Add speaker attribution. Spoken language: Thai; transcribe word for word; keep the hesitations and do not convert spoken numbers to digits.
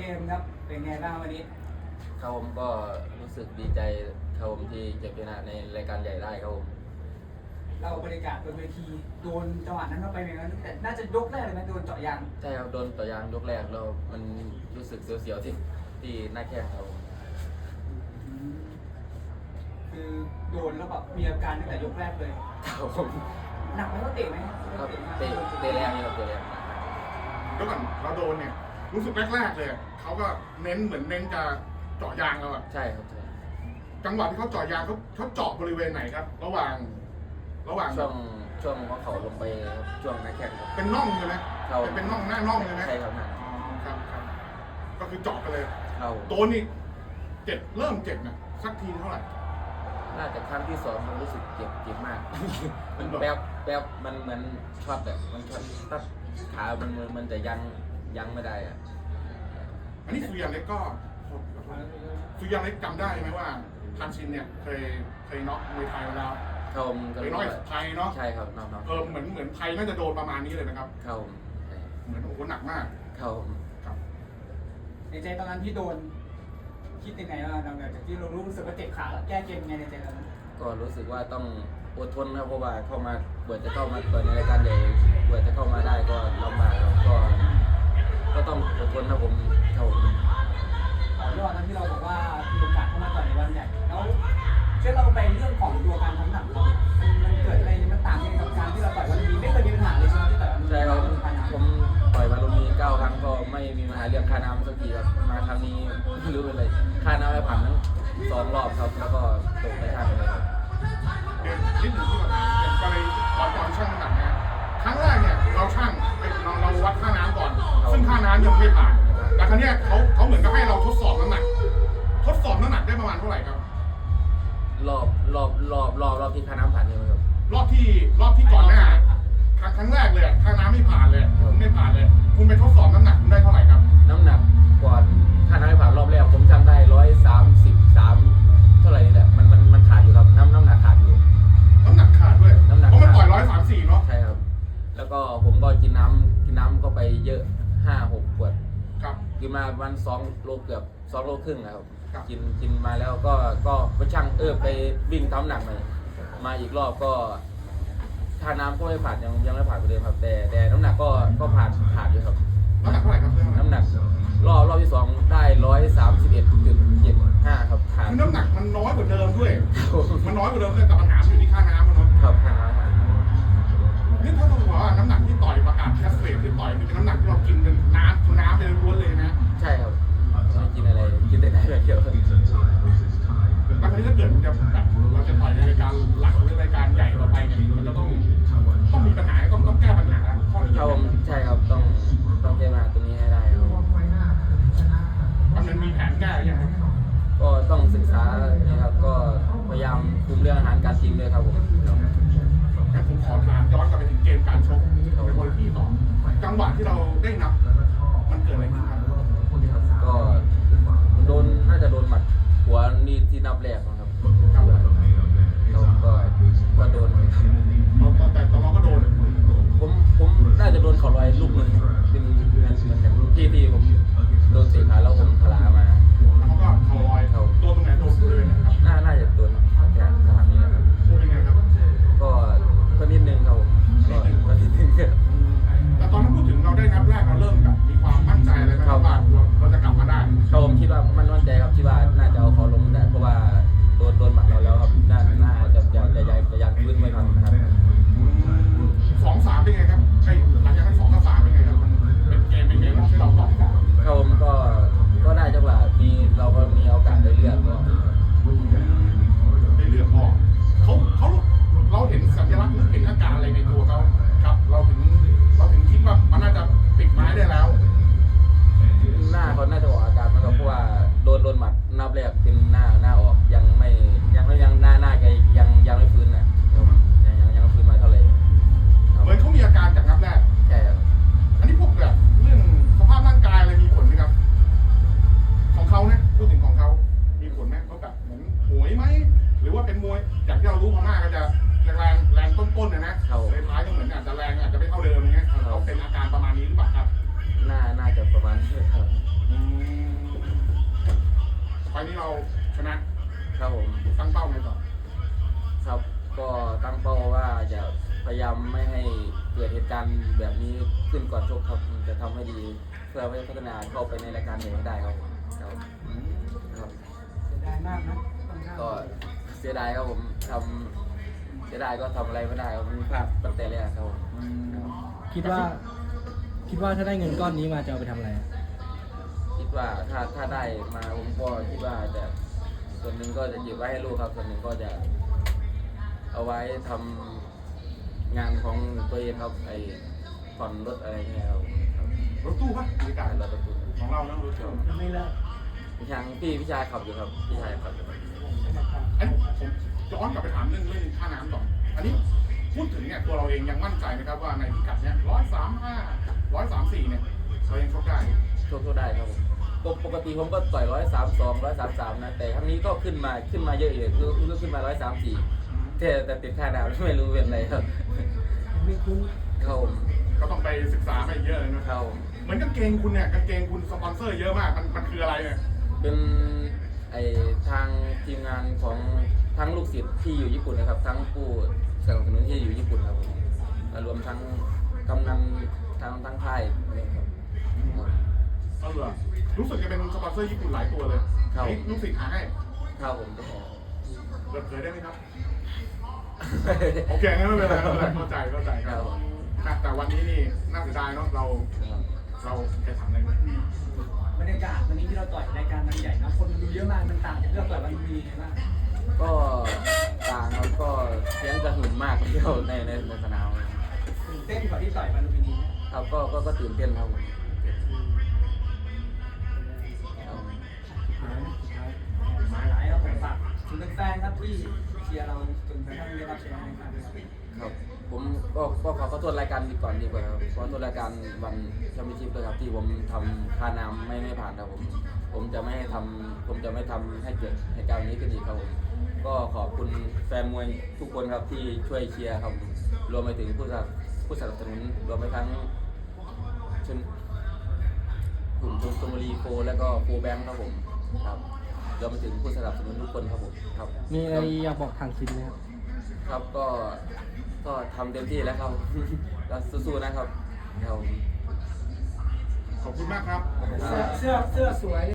Speaker 1: มครับเป็นไงบ้างวันนี้
Speaker 2: ครับผมก็รู้สึกดีใจครับผมที่เก็บชนะในรายการใหญ่ได้ครับผม
Speaker 1: เราบรรยากาศบนเวทีโดนจังหวะนั้นเข้าไปอย่างนั้นแต่น่าจะยกแรกเลยไหมโดนเจาะยาง
Speaker 2: ใช่ครับโดนต่อยางยกแรกแล้วมันรู้สึกเสียวๆที่ที่หน้าแข้งครับผม
Speaker 1: คือโดนแล้วแบบมีอาการตั้งแต่ยกแรกเลย
Speaker 2: ครับผม
Speaker 1: หนักไหมว่าเตะไหม
Speaker 2: ครับเตะเตะแรงอยู่ครับเตะแรง
Speaker 3: แล้วก่อนเราโดนเนี่ยรู้สึกแรกๆเลยเขาก็เน้นเหมือนเน้นจะเจาะยางเราอะ
Speaker 2: ใช่ครับใช่
Speaker 3: จังหวะที่เขาเจาะยางเขาเขาเจาะบริเวณไหนครับระหว่างระหว่าง
Speaker 2: ช่วงช่วงหัวเข่าลงไปครับช่วงหน้าแข้งครับ
Speaker 3: เป็นน่องใช่ไหมเป็นน่องหน้าน่องเลยไหม
Speaker 2: ใช่ครับ
Speaker 3: อ๋อครับครับก็คือเจาะไปเลย
Speaker 2: เรา
Speaker 3: โดนนี่เจ็บเริ่มเจ็บนะสักทีเท่าไหร่
Speaker 2: น่าจะครั้งที่สองมันรู้สึกเจ็บเจ็บมากมันแป๊บแป๊บมันเหมือนช็อตแบบมันช็อตตัดขามันมันจะยังยังไม่ได้อะ
Speaker 3: อันนี้สุริยันเล็กก็สุริยันเล็กจำได้ไหมว่าทันชินเนี่ยเคยเคยน็อกมวยไทยมาแล้ว
Speaker 2: เขา
Speaker 3: เคยน็อกไทยเนาะ
Speaker 2: ใช่ครับน็อกน็อก
Speaker 3: เออเหมือนเหมือนไทยน่าจะโดนประมาณนี้เลยนะครับ
Speaker 2: เขา
Speaker 3: เหมือนโอ้โหหนักมาก
Speaker 2: เขา
Speaker 3: ครับ
Speaker 1: ในใจตอนนั้นที่โดนคิดยังไงบ้างหลังจากที่เรารู้สึกว่าเจ็บขาแก้เกมยังไงในใจตอนนั้น
Speaker 2: ก็รู้สึกว่าต้องอดทนครับเพราะว่าเข้ามาเปิดจะเข้ามาเปิดในรายการใหญ่เปิดจะเข้ามาได้ก็ลำบากครับก็ก็ต้องอดทนนะผมเท่านี้
Speaker 1: ต่อยอดนั้นที่เราบอกว่ามีโอกาสเข้ามาต่อยในวันใหญ่แล้วช่วยเราไปเรื่องของตัวการทำหนักเรามันเกิดอะไรมันต่างกันกับการที่เราต่อยวันนี้ไม่เคยมีปัญหาเลยใช่ไหมที่ต่อยวันนี้
Speaker 2: ใช่ครับผมต่อยวันนี้เก้าครั้งก็ไม่มีปัญหาเรื่องค่าน้ำสักทีครับมาครั้งนี้ไม่รู้เป็นไรค่าน้ำไปผ่านทั้งสองรอบครับแล้วก็ตกไปช่างเลยครับ
Speaker 3: เดี๋ยวนิดหนึ่งที่เราถามเกี่ยวกับตอนตอนช่างน้ำหนักนะครั้งแรกเนี่ยเราช่างเราเราวัดค่าน้ำก่อนซึ่งค่าน้ำยังไม่ผ่านแต่ครั้งนี้เขาเขาเหมือนกับให้เราทดสอบน้ำหนักทดสอบน้ำหนักได้ประมาณเท่าไหร่ครับ
Speaker 2: รอบรอบรอบรอบรอบที่ค่าน้ำผ่านใช่ไหมครับ
Speaker 3: รอบที่รอบที่ก่อนหน้าครั้งครั้งแรกเลยค่าน้ำไม่ผ่านเลยคุณไม่ผ่านเลยคุณไปทดสอบน้ำหนักคุณได้เท่าไหร่ครับ
Speaker 2: น้ำหนักก่อนค่าน้ำไม่ผ่านรอบแรกผมจำได้ร้อยสามสิบสามเท่าไหร่นี่แหละมันมันมันขาดอยู่ครับน้ำน้ำหนักขาดอยู่
Speaker 3: น้ำหนักขาดด้วย
Speaker 2: น้ำหนัก
Speaker 3: เพราะมันปล่อยร้อยสามสี่เนาะ
Speaker 2: ใช่ครับแล้วก็ผมก็กินน้ำกินน้ำก็ไปเยอะห้าหกขวด
Speaker 3: ครับ
Speaker 2: กินมาวันสองโลเกือบสองโลครึ่งนะครับกินกินมาแล้วก็ก็ไปช่างเออไปวิ่งทำหนักมามาอีกรอบก็ค่าน้ำก็ไม่ผ่านยังยังไม่ผ่านไปเลยครับแต่แต่น้ำหนักก็ก็ผ่านขาดอยู่ครับ
Speaker 3: น้ำหนักเท่าไหร่ครับ
Speaker 2: น้ำหนักรอบรอบที่สองได้ร้อยสามสิบเอ็ดจุดเจ็ดห้าครับขาด
Speaker 3: คือน้ำหนักมันน้อยกว่าเดิมด้วยมันน้อยกว่าเดิมเลยแต่ปัญหาอยู่ที่ค่าน้ำมันเนาะ
Speaker 2: ครับค่าน้ำ
Speaker 3: นี่ถ้าเราบอกว่าน้ำหนักที่ต่อยประกาศแคสเฟสที่ต่อยเป็นน้ำหนักที่เรากินเป็นน้ำน้ำเป็นล้วนเลยนะ
Speaker 2: ใช่ครับไม่กินอะไรกินแต่น้ำอย่างเดียว
Speaker 3: แล้วคราวนี้ถ้าเกิดจะแบบเราจะต่อยในรายการหลักหรือรายการใหญ่ต่อไปเนี่ยมันจะต้องต้องมีปัญหาต้องต้องแก้ปัญหาข้อนี้
Speaker 2: ครับใช่ครับต้องต้องแก้ปัญหาตรงนี้ให้ได้ครับ
Speaker 3: มันมีแผนแก้ยังครับ
Speaker 2: ก็ต้องศึกษานะครับก็พยายามคุมเรื่องอาหารการกินด้วยครับผม
Speaker 3: แต่ผมขอถามย้อนกลับไปถึงเกมการชกในบนที่ต่อจังหวะที่เราได้นับมันเกิดอะไรขึ้นครับ
Speaker 2: ก็โดนน่าจะโดนหมัดหัวนี่ที่นับแรกนะครับเราก็ก็โดน
Speaker 3: แต่ตอนเราก็โดน
Speaker 2: ผมผมน่าจะโดนเขาลอยลูกหนึ่งเป็นเหมือนเหมือนที่ที่ผมโดนเตะขาแล้วผมพลามา
Speaker 3: แล้วเขาก็เขาลอยเขาตัวตรงไหนโดนเลยนะครับ
Speaker 2: น่าน่าจะโดนแค่ทางนี้นะครับ
Speaker 3: ตัวเป็นไงครับ
Speaker 2: ก็ก็นิดนึงครับก็ก็นิดนึง
Speaker 3: แต่ตอนนั้นพูดถึงเราได้นับแรกเราเริ่มแบบมีความมั่นใจเลยไหม
Speaker 2: ครับ
Speaker 3: ล์นี้เราชนะครับ
Speaker 2: ผม
Speaker 3: ตั้งเป้าไงต่อ
Speaker 2: ครับก็ตั้งเป้าว่าจะพยายามไม่ให้เกิดเหตุการณ์แบบนี้ขึ้นก่อนชกครับจะทำให้ดีเพื่อให้พัฒนาเข้าไปในรายการใหญ่ให้ได้ครับครับครับ
Speaker 1: เสียดายมากนะต้องข้าม
Speaker 2: ก็เสียดายครับผมทำเสียดายก็ทำอะไรไม่ได้ครับมันพลาดตั้งแต่แรกครับผมครับ
Speaker 4: คิดว่าคิดว่าถ้าได้เงินก้อนนี้มาจะเอาไปทำอะไรอะ
Speaker 2: คิดว่าถ้าถ้าได้มาผมก็คิดว่าจะส่วนหนึ่งก็จะเก็บไว้ให้ลูกครับส่วนหนึ่งก็จะเอาไว้ทำงานของตัวเองครับไอ้ผ่อนรถอะไรเงี้ยครับครับ
Speaker 3: รถตู้ปะบรรยากาศ
Speaker 2: รถตู้
Speaker 3: ของเรานะรถตู้
Speaker 1: ยังไม่เลิก
Speaker 2: พี่ชายพี่พี่ชายขับอยู่ครับพี่ชายขับอยู่ครับ
Speaker 3: ไอ้ผมย้อนกลับไปถามเรื่องเรื่องค่าน้ำก่อนอันนี้พูดถึงเนี่ยตัวเราเองยังมั่นใจนะครับว่าในพิกัดเนี่ยร้อยสามห้าร้อยสามสี่เนี่ยเรายังชกได้
Speaker 2: โชคโชคได้ครับผมปกปกติผมก็ต่อยร้อยสามสองร้อยสามสามนะแต่ครั้งนี้ก็ขึ้นมาขึ้นมาเยอะเลยคือคือขึ้นมาร้อยสามสี่แต่แต่ติดค่าดาวไม่รู้เป็นไรครับ
Speaker 1: ไม่คุ้ม
Speaker 2: ครับผม
Speaker 3: ก็ต้องไปศึกษามาอีกเยอะเลยนะครับ
Speaker 2: ผม
Speaker 3: เหมือนกางเกงคุณเนี่ยกางเกงคุณสปอนเซอร์เยอะมากมันมันคืออะไรเนี่ย
Speaker 2: เป็นไอทางทีมงานของทั้งลูกศิษย์ที่อยู่ญี่ปุ่นนะครับ ทั้งผู้สนับสนุนที่อยู่ญี่ปุ่นครับผมและรวมทั้งกำนันทั้งทั้งค่ายนี่ครับ
Speaker 3: เออรู้สึกจะเป็นสปอนเซอร์ญี่ปุ่นหลายตัวเลย
Speaker 2: ครับ
Speaker 3: นี่ลูกศิษย์หาให้
Speaker 2: ครับผมก็ขอ
Speaker 3: เปิดเผยได้ไหมครับ โอเคงั้นไม่เป็นไรไม่เป็นไรเข้าใจเข้าใจครับนะแต่วันนี้นี่น่าเสียดายเนาะเราเราแค่ถามอะไรไหม
Speaker 1: บรรยากาศวันนี้ที่เราต่อยรายการมันใหญ่นะคนดูเยอะมากมันต่างจากที่เราต่อยวันมีมาก
Speaker 2: ก็ต่างครับก็เสียงกระหึ่มมากที่เราในในในสนาม
Speaker 1: ตื่นเต้นกว่าที่ต่อยวันลุมพินี
Speaker 2: ครับก็ก็ก็ตื่นเต้นครับผมครับ
Speaker 1: มาหลายครับผมฝากถึงแฟนๆครับที่เชียร์เราจนกระทั่งได้รับชัยชนะในครั้งนี้ครับ
Speaker 2: ครับผมก็ก็ขอขอโทษรายการดีก่อนดีกว่าครับขอโทษรายการวันแชมเปี้ยนชิพด้วยครับที่ผมทำค่าน้ำไม่ไม่ผ่านครับผมผมจะไม่ให้ทำผมจะไม่ทำให้เกิดเหตุการณ์แบบนี้ขึ้นอีกครับผมก็ขอบคุณแฟนมวยทุกคนครับที่ช่วยเชียร์ครับผมรวมไปถึงผู้สนับผู้สนับสนุนรวมไปทั้งชนกลุ่มชนบุรีโฟและก็โฟแบงค์ครับผมครับรวมไปถึงผู้สนับสนุนทุกคนครับผมครับ
Speaker 4: มีอะไรอยากบอกทางซินไหมครับ
Speaker 2: ครับก็ก็ทำเต็มที่แล้วครับ ก็สู้ๆนะครับครับผม
Speaker 3: ขอบคุณมากครับ
Speaker 1: เสื้อเสื้อเสื้อสวย